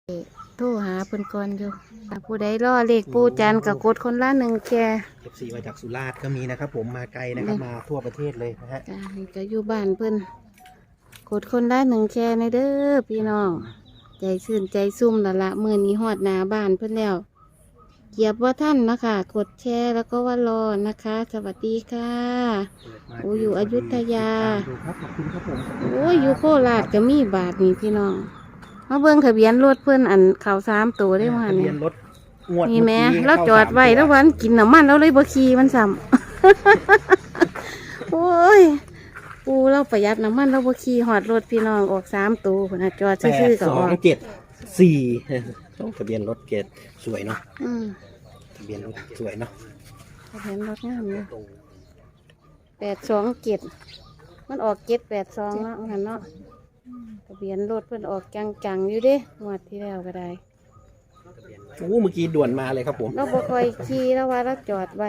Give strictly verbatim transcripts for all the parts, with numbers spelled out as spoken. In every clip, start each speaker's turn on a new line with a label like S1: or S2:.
S1: โทรหาเพิ่นก่อนอยู่ผู้ใดรอเลขปูจันก็กดคนละหนึ่งแค่
S2: เอฟซีมาจากสุราษฎร์ก็มีนะครับผมมาไกลนะครับมาทั่วประเทศเลยนะฮะ
S1: จ้านี่ก็อยู่บ้านเพิ่นกดคนละหนึ่งแค่ในเด้อพี่น้องใจชื่นใจซุ่มละละมือนี้ฮอดหน้าบ้านเพิ่นแล้วเกียบว่าท่านนะคะกดแชร์แล้วก็ว่ารอนะคะ สวัสดีค่ะโอ้อยู่อยุธยา
S2: ดูครับขอบคุณครับผม
S1: โอ้ยอยู่โคราชก็มีบาทนี่พี่น้องมาเบิ่งทะเบียนรถเพิ่นอันเขาสามตัวได้มา
S2: ทะเบี
S1: เนี่ย
S2: ยนรถงวด
S1: นี่แม่
S2: เอกี้
S1: เราจอดไว้แล้ววันกินน้ำมันแล้วเลยบ่ขี่มันซ้ำ โอ้ยปูเราประหยัดน้ำมันเราบ่ขี่หอดรถพี่น้องออกสามตัวพุ่นน่ะจอด
S2: แปด
S1: ซื่อๆก็
S2: ส
S1: อ
S2: อ
S1: อง ก
S2: เจ็ดสี่ทะเบียนรถเกตสวยเนาะ
S1: อืม
S2: ทะเบียนรถสวยเนาะ
S1: ทะเบียนรถงามเลยแปดสองเจ็ดมันออกเจ็ดแปดสองเนาะหันเนาะทะเบียนรถเพิ่นออกจังๆอยู่เด้งวดที่แล้วก็ได้
S2: โอ้เมื่อกี้ด่วนมาเลยครับผม
S1: เราบ่ค่อยขี่แล้วว่าเราจอดไว้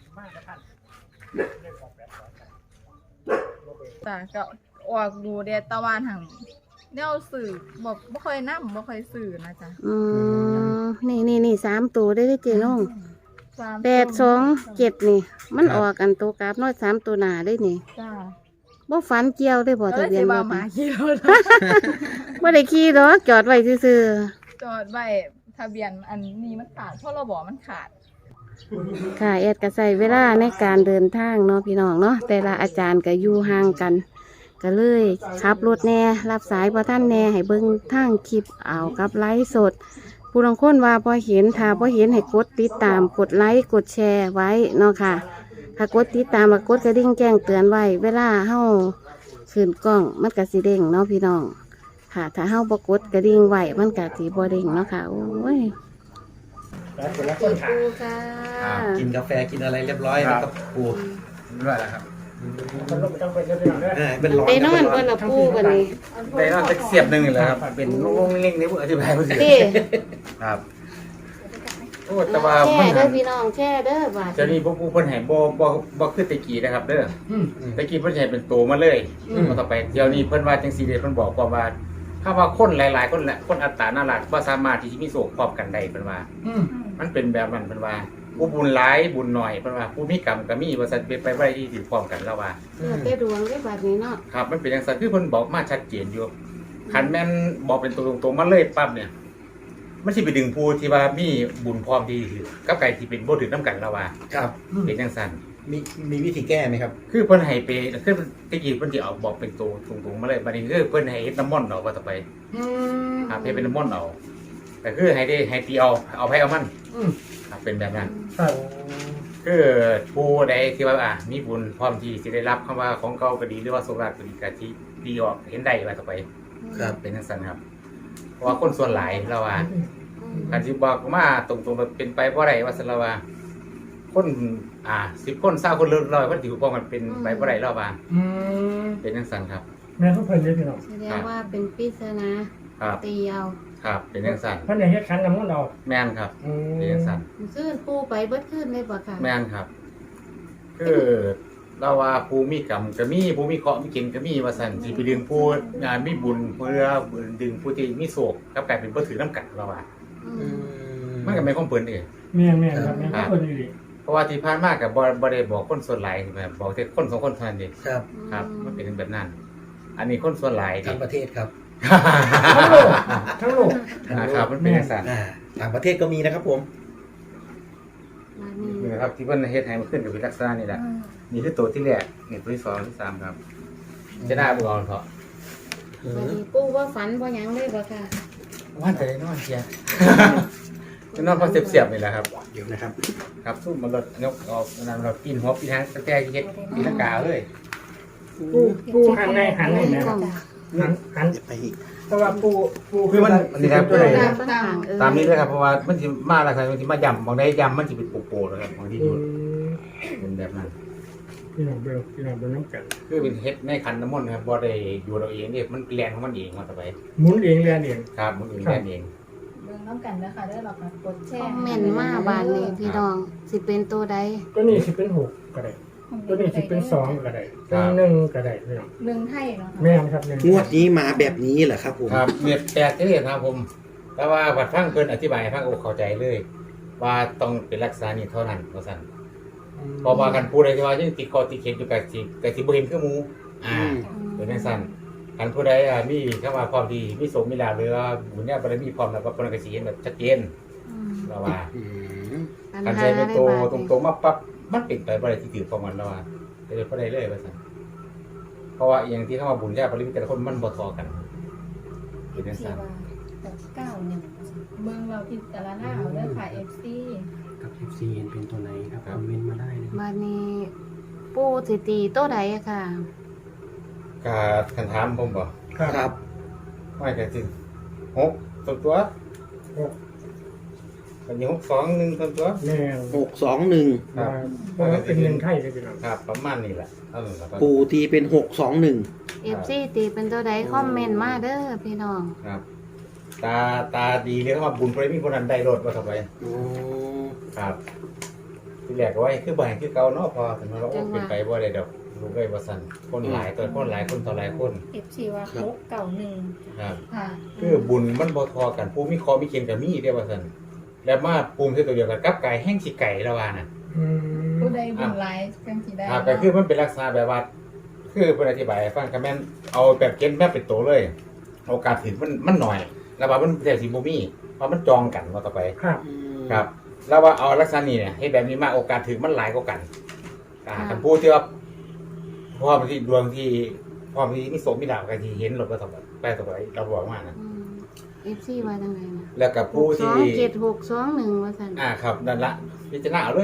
S3: จ้ะก็ออกดูเดตะวันหังแนวสื่อบ่บ่ค่อยนำบ่ค่อยสื่อนะจ๊ะ
S1: อืมนี่นี่นี่สามตัวได้ได้เจน้อง
S3: สาม
S1: แปดสองเจ็ดนี่ มันออกกันตัวกราฟน้อยสามตัวหนาได้นี่
S3: จ้า
S1: บ่ฝันเกี่ยวได้บ่
S3: แล้ว
S1: ทะเบียน
S3: สิ
S1: ร
S3: ว่า
S1: ถ
S3: หมา
S1: น่ะ
S3: ขี่รถ
S1: บ่ได้ขี่หรอกจอดไว้ซื่อ
S3: จอดไว้ทะเบียนอันนี้มันขาดเพราะเราบอกมันขาด
S1: ๆค่ะแอดก็ใส่เวลาในการเดินทางเนาะพี่น้องเนาะแต่ละอาจารย์ก็อยู่ห่างกัน ก็เลยขับรถแน่รับสายพอท่านแน่ให้เบิ่งทางคลิปเอากับไลฟ์สด ผู้ลางคนว่าพอเห็นถ้าพอเห็นให้กดติดตามกดไลค์กดแชร์ไว้เนาะค่ะ ถ้ากดติดตามแล้วกดกระดิ่งแจ้งเตือนไว้ เวลาเฮาขึ้นกล้องมันก็สิเด้งเนาะพี่น้องค่ะ ถ้าเฮาบ่กดกระดิ่งไว้มันก็สิบ่เด้งเนาะค่ะโอ้ย
S2: แล้วคนละค
S1: ปู
S2: นค่ะ
S1: ค่ะ
S2: กินกาแฟกินอะไรเรียบร้อยนะครับปู
S4: ด้วยแล้วครับ
S2: เออเป็นร้อน
S1: ไปนอนก่อนละปูกันนี่
S4: ได้นอนตะเสียบหนึ่งเลยครับ เป็นลูกๆเล็กๆนี่ผมอธิบายไม่ถูก
S1: เด้
S4: ครับโอ้แต่ว่า
S1: แช่
S4: มัน
S1: เด้อพี่น้องแช่เด้อบาด
S4: เจ้านี่พวกผู้เพิ่นให้บ่บ่บ่คือตะกี้นะครับ เด้อตะกี้เพิ่นให้เป็นโตมาเลยมาต่อไปเดี๋ยวนี้เพิ่นว่าจังซี่เด้เพิ่นบอกว่าว่าถ้าว่าคนหลายๆคนแหละคนอัตราน่ารักบ่สามารถที่จะมีโศกพร้อมกันได้เพิ่นว่า มันเป็นแบบนั้นเพิ่นว่าผู้บุญหลายบุญหน่อยเพิ่นว่าผู้มีกรรมก็มีว่าซั่นเป็นไปบ่ได้ที่สิพร้อมกันแล้วว่า
S1: เลือดแต่ดวงได้บาดนี้เนาะ
S4: ครับมันเป็นอย่างไรคือเพิ่นบอกมาชัดเจนอยู่คันแม่นบอกเป็นตัวตรงๆมาเลยปั๊บเนี่ยมันสิไปดึงผู้ที่ว่ามีบุญพร้อมที่ถือกับไก่ที่เป็นบ่ถือน้ำกันแล้วว่า
S2: ครับ
S4: เป็นจังซั่น
S2: มีมีวิธีแก้ไหมครับ
S4: คือเพิ่นให้ไปคือตะกี้เพิ่นสิเอาบอกเป็นตัวตรงๆมาเลยบัดนี้คือเพิ่นให้เฮ็ดน้ำมนต์เอาว่าต่อไปครับให้เป็นน้ำมนต์เอาแต่คือให้ได้ให้ตีเอาเอาไผเอามันครับเป็นแบบนั้น
S2: ครับ
S4: คือผู้ใดที่ว่าอ่ะมีบุญพร้อมที่สิได้รับคำว่าของเก่าก็ดีหรือว่าโชคลาภก็ดีก็ที่ดีออกเห็นได้ว่าต่อไป
S2: ครับ
S4: เป็นจังซั่นครับเพราะว่าคนส่วนหลายเราว่าการที่บอกมาตรงๆมันเป็นไปเพราะอะไรว่าสนเราว่าคนอ่าสิบคนเศร้าคนร้อยคนถือพอมันเป็นไปเพราะอะไรเราว่าเป็นจังซั่นครับ
S5: แม่ทุกเพิ่นเลยพี่น้อง
S1: แสดงว่าเป็นปริศนา
S4: ครับ
S1: ตีเอา
S4: ครับเป็นจังซั่น
S5: เพิ่นได้เฮ็ดคันน้ำมันต์ออก
S4: แม่นครับ
S5: อืม
S4: เป็นจังซั่น
S1: ซื้อปูไปเบิดขึ้นเลยบ่ค่ะ
S4: แม่นครับ คือเราว่าผู้มีกรรมก็มีผู้มีเคราะห์มีเกณฑ์ก็มีว่าซั่นสิไปดึงผู้งานมีบุญเพื่อดึงผู้ที่มีโศกกับกลายเป็นบ่ถือน้ำกันเราว่า
S1: อืม
S4: มันก็ไม่ของเพิ่นเด้
S5: แม่นแม่นครับแม่นทุกเพิ่นอยู่ดิ
S4: เพราะว่าที่ผ่านมากับบอบได้บอกคนส่วนหลายแบบบอกแต่คนสองคนเท่านั้นเอง
S2: ครับ
S4: ครับ มันเป็นแบบนั้น อันนี้คนส่วนหลายดิ
S2: ทั้งประเทศครับ
S5: ทั้งโลกทั้งโลก
S4: นะครับมันเป็นอย่างนั้น
S2: อ่าต่างประเทศก็มีนะครับผม
S1: มานี่
S4: นี่นะครับที่เพิ่นเฮ็ดให้มันขึ้นกับเป็นลักษณะนี่แหละนี่คือตัวที่แรกนี่ตัวที่สองที่สามครับ จะได้บ่ก่อนเถอะ
S1: มานี่ปูว่าฝันบ่หยังเลยบ่ค่ะ
S4: ว่าแต่ได้นอนเชียจะนอนเพราะเสียบๆนี่แหละครับ
S2: เดี๋ยวนะครับ
S4: ครับสู้มันรถยกออกนั่นรถปีนหัวปีนหางแต่เฮ็ดปีนกาเลย
S5: ปูปูหันในหันนี่นะ
S1: กล้อง
S5: หันหัน
S2: เดี๋ยวไปอีก
S5: แต่ว่าปูปู
S4: คือมันอันนี้ครับ
S5: ตัวไหน
S1: ตามต่างเออ
S4: ตามนี้เลยครับเพราะว่ามันสิมาแล้วครับมันสิมาย่ำบางได้ย่ำมันสิเป็นโปะๆนะครับบางที่
S5: อื
S4: ดู
S5: ม
S4: เป็นแบบนั้น
S5: พี่น้องเบลพี่น้องเบลน้ำกัน
S4: คือเป็นเฮ็ดในคันน้ำมนต์ครับบ่ได้อยู่เราเองนี่มันแรงของมันเองมาต่อไป
S5: หมุนเองเรียนเอง
S4: ครับมันเองแรงเอง
S3: เบิ่งน้ำกันเด้อค่ะเด้อเราก็กดแช
S1: คอ
S3: ร์
S1: มเมนต์มาบานนี้พี่น้องสิเป็นตัวใด
S5: ตัวนี้สิเป็นหกก็ได้ตัวนี้สิเป็นสองก็ได้ตัวหนึ่งก็ได้พี่น้อง
S3: หนึ่งไทยเนาะค่ะ
S5: แม่นครับหนึ่ง
S2: งวดนี้มาแบบนี้เหรอครับผม
S4: ครับเม็ดแตกเรียกครับผมแต่ว่าบัดฟังเพิ่นอธิบายให้ฟังโอ้เข้าใจเลย ว่าต้องเป็นรักษานี่เท่านั้นว่าซั่นเพราะว่ากันผู้ใดที่ว่ายังติดคอติดเข็มอยู่กับสิก็สิบ่เห็นคือหมู่อ่าเป็นจังซั่นคันผู้ใดอ่ามีเข้ามาพร้อมดีมีโสมมีลาภหรือว่าบุญญาบารมีพร้อมแล้วก็เพิ่นก็สิเห็นแบบชัดเจน
S1: อืม
S4: แล้วว่า
S2: อืม
S1: ปัญ
S4: คัน
S1: หา
S4: ใช้เป็นตัว
S1: ได้บาด
S4: ต
S1: นี้
S4: รงๆมาปั๊บมันเป็นไปบ่ได้ที่ถือของมันแล้วว่าเดี๋ยวบ่ได้เลยว่าซั่นเพราะว่าอย่างที่เข้ามาบุญญาบารมีแต่ละคนมันบ่เท่ากันเป็นจัง
S6: ที่
S4: ซั่น
S6: ว่าหกเก้าหนึ่ง
S3: เมืองเราพิจารณาเอาเด้อค่ะ เอฟ ซี
S7: กับ เอฟ ซี เห็นเป็นตัวไหนครับคอมเมนต์มาได้นะครับ
S1: บัดนี้ปูสิตีโตใดอะค่ะ
S4: ก็คันถามผมบ่
S5: ครับ
S2: ครับ
S4: ไม่ก็สิหกตัวตัว
S5: หก
S4: อันนี้หกสองหนึ่งตัวตัว
S5: แม่น
S2: หกสองหนึ่ง
S4: ครับ
S5: เพราะว่าเป็นหนึ่งไทยเลยพี่น้อง
S4: ครับประมาณนี้แหละเท่านั้นแหละครับ
S2: ปู่ตีเป็นหกสองหนึ่ง
S1: เอฟซีตีเป็นตัวใดคอมเมนต์มาเด้อพี่น้อง
S4: ครับ ตาตาดีเรียกว่าบุญพระมีคนนั้นได้รถมาทำไม
S2: โอ้
S4: ครับ ที่แรกก็ว่าคือบ่ให้คือเก่าเนาะพอถึงมาเราเป็นไปบ่ได้ดอกลูกได้บ่สั่นคนหลายตัวคนหลายคนต่อหลายคน
S6: เอฟซีว่าหกเก้าหนึ่ง
S4: ครับ
S3: ค่ะ
S4: คือบุญมันบ่ทอกันผู้มีคอมีเข็มกับมีเด้ว่าสั่นแล้วมาปูมคือตัวเดียวกันกับไก่แห้งสิไก่ละว่าน่ะ
S5: อืม
S3: ผู้ใดบุญหลายจังสิได้
S4: ครับก็คือมันเป็นลักษณะแบบว่า คือเพิ่นอธิบายให้ฟังก็แม่นเอาแบบเก็ตแบบเป็นตัวเลย โอกาสถึงมันมันน้อยแล้วว่ามันแต่สิบ่มีเพราะมันจองกันว่าต่อไป
S5: ครับ
S4: ครับ แล้วว่าเอาลักษณะนี้เนี่ยให้แบบนี้มาโอกาสถึงมันหลายกว่ากันอ่าคันพูดที่ว่าพร้อมที่ดวงที่พร้อมที่มีโสมมีดาวกันที่เห็นรถว่าต่อไปไปต่อไปเราบอกว่านะ
S1: เอฟซีว่าจังไดนะ
S4: แล้วกับ
S1: ห
S4: ผู้
S1: กส
S4: ที่
S1: องเจ็ดหกสองหนึ่งว่าซั่น
S4: อ่าครับนั่นละพิจารณาเอาเลย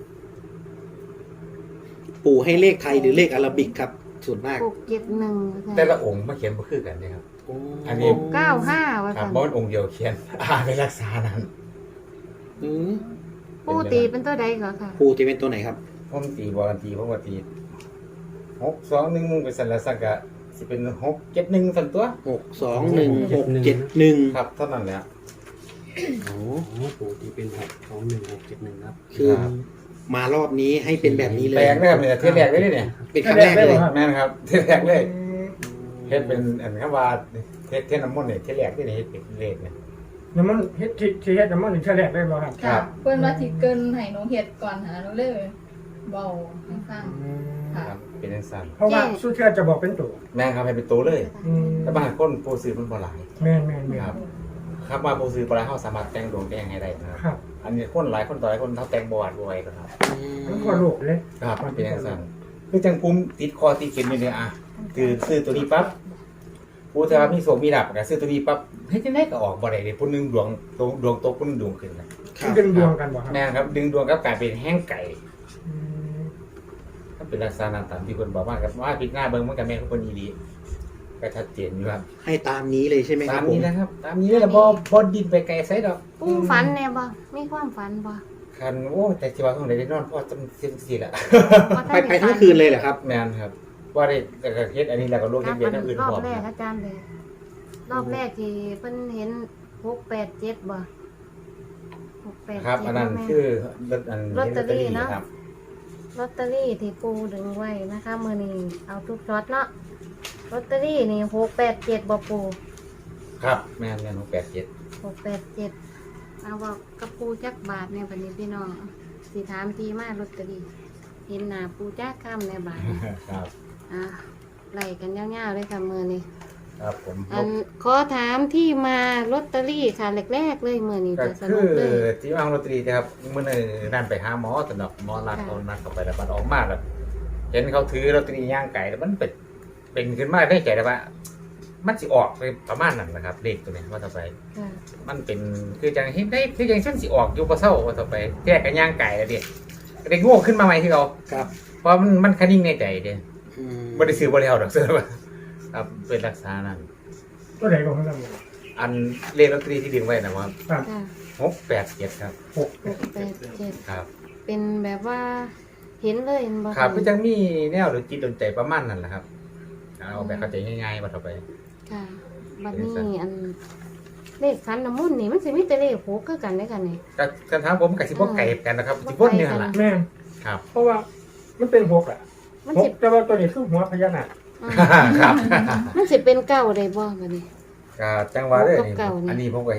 S2: ปู่ให้เลขไทยหรือเลขอาราบิกครับ ส่วนมาก
S1: หกเจ็ดหนึ่งว่าซั่น
S4: แต่ละองค์มาเขียนบ่คือกันนะครับ
S2: โอ้
S4: อันนี้
S1: หกเก้าห้าว่า
S4: ครับ
S1: ซั่น
S4: บ่มันองค์เดียวเขียน อ่าเป็นลักษณะนั้น
S2: อืม
S1: ปูตีเป็นตัวใดก่อนค่ะ
S2: ปู่ตีเป็นตัวไหนครับ
S4: ผมตีบอกันตีผมก็ตีหกสองหนึ่งเป็นสันละสักกะสิเป็นหกเจ็ดหนึ่งสันตัว
S2: หกสองหนึ่งหกเจ็ดหนึ่ง
S4: ครับเท่านั้นแหละ
S2: โอ้
S7: โอ้ปู่ที่เป็นหกสองหนึ่งหกเจ็ดหนึ่งครับ
S2: คือมารอบนี้ให้เป็นแบบนี้เลย
S4: แปลกนะครับเนี่ยเทศแรกเลยเนี่ย
S2: เป็นครั้งแรกเลย
S4: แม่นครับเทศแรกเลยเฮ็ดเป็นอันคำว่าเทศเทศน้ำมนต์เนี่ยเทศแรกที่นี่เฮ็ดเป็นเลขเนี่ย
S5: น้ำมันเฮ็ดที่ที่เฮ็ดน้ำมันหนึ่งแฉลกได้บ่ครับ
S4: ครั
S3: ค่ะ
S4: บ
S3: เพิ่นว่าสิเกินให้หนูเฮ็ดก่อนหาหนูเลยเบาให้ฟัง
S4: ค
S3: ค่ะ
S4: รับเป็นจังซั่น
S5: เพราะว่าสู้เชื่อจะบอกเป็นตัว
S4: แม่นครับให้เป็นตัวเลย
S5: อืม
S4: แต่บางคนผู้ซื้อมันบ่หลาย
S5: แม่นแม่นแม่น
S4: ครับ ครับมาผู้ซื้อบ่หลายเฮาสามารถแต่งดวงแต่งให้ได้นะครับ
S5: ครับ
S4: อันนี้คนหลายคนต่อหลายคนเฮาแต่งบ่หวาดบ่ไหวก็ครับ
S5: ทั้งคนโลกเลย
S4: ครับมันเป็นอย่างนั้นคือจังภูมิติดคอติดเข็มอยู่เนี่ยอ่ะคือซื้อตัวนี้ปั๊บผู้ที่ว่ามีโสมมีดับก็ซื้อตัวนี้ปั๊บเฮ้ยจังได๋ก็ออกบ่ได้เด้ผู้หนึงดวงตกดวงตกผู้หนึงดวงขึ้นนะ
S2: ครับ
S5: ดึงดวงกันบ่ครับ
S4: แม่นครับ ดึงดวงกับกลายเป็นแห้งไก่
S5: อืม
S4: ก็เป็นลักษณะตามที่เพิ่นบอกว่าครับว่าพิดหน้าเบิ่งมันก็แม่นของเพิ่นอีหลีก็ชัดเจนอยู่ครับ
S2: ให้ตามนี้เลยใช่ไหมค
S4: ตา
S2: รับ
S4: ม
S2: ผ
S4: นี้
S2: ม
S4: นะครับ ตามนี้เลยล่ะบ่บ่ดินไปไกลไสดอก
S1: ปูฝันแน่บ่มีความฝันบ่
S4: คันโอ้แต่สิว่าของได้นอนพอจำสิสิล่ะ
S1: บ่
S2: ไปไปทั้งคืนเลยเหรอครับ
S4: แม่นครับ ว่าได้แต่ก็เฮ็ดอันนี้แล้วก็ลง
S1: ค
S4: เฮ็
S1: รั
S4: ด
S1: บ
S4: เวียน
S1: อั
S4: อน ย่างอื่น
S1: รอ
S4: พร้
S1: บ
S4: อม
S1: แรก
S4: ครับ
S1: อาจารย์เลยรอบแรกที่เพิ่นเห็นหกแปดเจ็ดบ่หกแปด
S4: ครับ
S1: เจ็ด
S4: อันนั้น
S1: แม่
S4: คือลอตอัน
S1: ลอตเตอรี่เนอะ
S4: ครับ
S1: ลอตเตอรี่ที่ปูดึงไว้นะคะมื้อนี้เอาทุกช็อตเนาะลอตเตอรี่นี่หกแปดเจ็ดบ่ปู
S4: ครับแม่นแม่นหกแปดเจ็ด
S1: หกแปดเจ็ดเอาบอกกับปูจักบาทเนี่ยบัดนี้พี่น้องสิถามทีมาลอตเตอรี่เห็นหน้าปูจักค่ำในบาทเนี่ย
S4: ครับ
S1: อ่ะไล่กันยาวๆเลยค่ะมือนี้
S4: ครับผม
S1: อันขอถามที่มาลอตเตอรี่ค่ะแรกๆเลยมือนี้
S4: ก็
S1: จะส
S4: คื
S1: นุ
S4: อก
S1: เลย
S4: ที่วางลอตเตอรี่นะครับเมื่อนึงนั่นไปหาหมอสนับหมอนัดเอานัดเข้าไปแล้วมันออกมาแล้วเห็นเขาถือลอตเตอรี่ย่างไก่แล้วมันเป็นเป็นขึ้นมาได้ใจแล้วว่า มันสิออกไปประมาณนั้นนะครับเลขตัวนี้ว่าต่อไป
S1: ค่ะ
S4: มันเป็นคือจังเห็นได้คือจังเส้นสิออกอยู่บ่เศร้าว่าต่อไปแก้กันย่างไก่แล้วเด็กเด็กโง่ขึ้นมาใหม่ที่เรา
S2: ครับ
S4: เพราะมันมันคันนิ่งในใจเด้
S2: อืม
S4: บ่ได้ซื้อบ่ได้เอาดอกเสื้อว่าครับเป็นลักษณะนั้น
S5: ตัวไหนของท่าน
S4: อันเลขลอตเตอรี่ที่ดึงไว้นะว่า
S5: ครับ
S1: ค่ะ
S4: หกแปดเจ็ดครับ
S5: หก
S1: หกแปดเจ็ด
S4: ครับ
S1: เป็นแบบว่าเห็นเลยเห็นบ่
S4: ครับก็จังมีแนวหรือจิตดนใจประมาณนั้นแหละครับเอาแบบเข้าใจง่ายๆว่าต่อไป
S1: ค่ะบัดนี้อันเลขคันน้ำมุ่นต์นี่มันสิมีแต่เลขหกคือกันได้อกันนี่
S4: ก็คันถามผมกับสิบ่ไก่กันนะครับสิบ่เนี่ยล่ะ
S5: แม่น
S4: ครับ
S5: เพราะว่ามันเป็นหกอ่ะ
S1: มัน
S5: ห
S1: สิ
S5: กแต่ว่าตัวนี้คือหัวพญานาค
S1: อืม
S4: ครับ
S1: มันสิเป็นเก้าได้บ่บัดนี้
S4: ก็จังว่าเด้อ
S1: หกกับเก้านี่
S4: อันนี้ผมก็เฮ็ด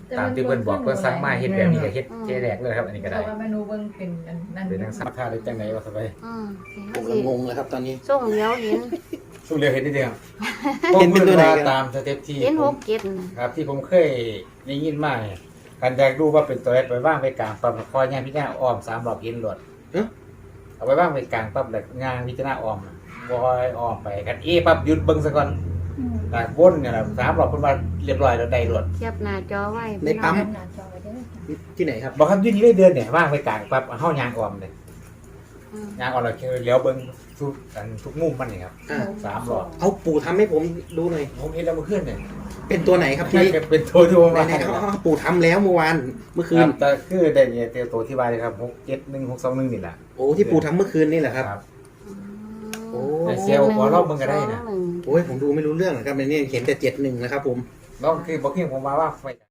S4: ตามที่เพิ่นบอกเพิ่นสั่งมาเฮ็ดแบบนี้ก็เฮ็ดเจแรกเลยครับอันนี้ก็
S3: แต่
S4: ได้
S3: ว่าเมนูเบิ่งเป็นอันนั่น
S4: เป็นทางสาขาได้จังไดว่าซะไป
S1: อืม
S2: ผมก็งงเลยครับตอนนี้
S1: ส่งเดียวเห็น
S4: สู้เร็วเห็นนิดเดียว
S2: เห็นเป็นตัวไหนครับ
S4: ตามสเต็ปที่
S1: เห็น
S4: ผ
S1: ห
S4: ม
S1: กเจ็ด
S4: ครับที่ผมเคยได้ยินมาเนี่ยการอยากดูว่าเป็นตัวเอสไปว่างไปกลางปั๊บคอยย่างพิจารณาอ้อมสามรอบเห็นหลด
S2: เอ๊ะ
S4: เอาไปว่างไปกลางปั๊บแล้วย่างพิจารณาอ้อมวอยอ้อมไปกันเอปั๊บหยุดเบิ่งซะก่อนหลักวนเนี่ยแหละสามรอบเพิ่นว่าเรียบร้อยแล้วได้หลด
S1: เทียบหน้าจอไว้
S2: ในปั๊ม
S6: หน้าจอไว้เด้อ
S2: ที่ไหนครับ
S4: บอกครับอยืนนี่ได้เดือนเนี่ยว่างไปกลางปั๊บเฮายางอ้อมเลย
S1: อืม
S4: ยางอ้อมแล้วคือเลี้ยวเบิ่งทุกอันทุกมุมมันนี่ครับ
S2: อ่า
S4: สามรอบ
S2: เอาปู่ทำให้ผมดูหน่อย
S4: ผมเห็นแล้วเมื่อคืนเนี่ย
S2: เป็นตัวไหนครับที่
S4: เป็นตัวที่ผม
S2: ไห
S4: ว่า
S2: นๆเขาเอาปู่ทำแล้วเมื่อวานเมื่อคื
S4: คือน แต่คือได้เนี่ยตัวที่ว่าเลยครับหกเจ็ดหนึ่งหกสองหนึ่งนี่แหละ
S2: โอ้ที่ปู่ทำเมื่อคืนนี่แหละครับ โอ้
S4: แต่เซลล์หัวรอบมึงก็ได้นะ
S1: สองหง
S2: โอ้ยผมดูไม่รู้เรื่องนะครับในนี้เห็นแต่เจ็ดหนึ่งนะครับผม
S4: น้องคือบอกเพียงผมมาว่าไฟ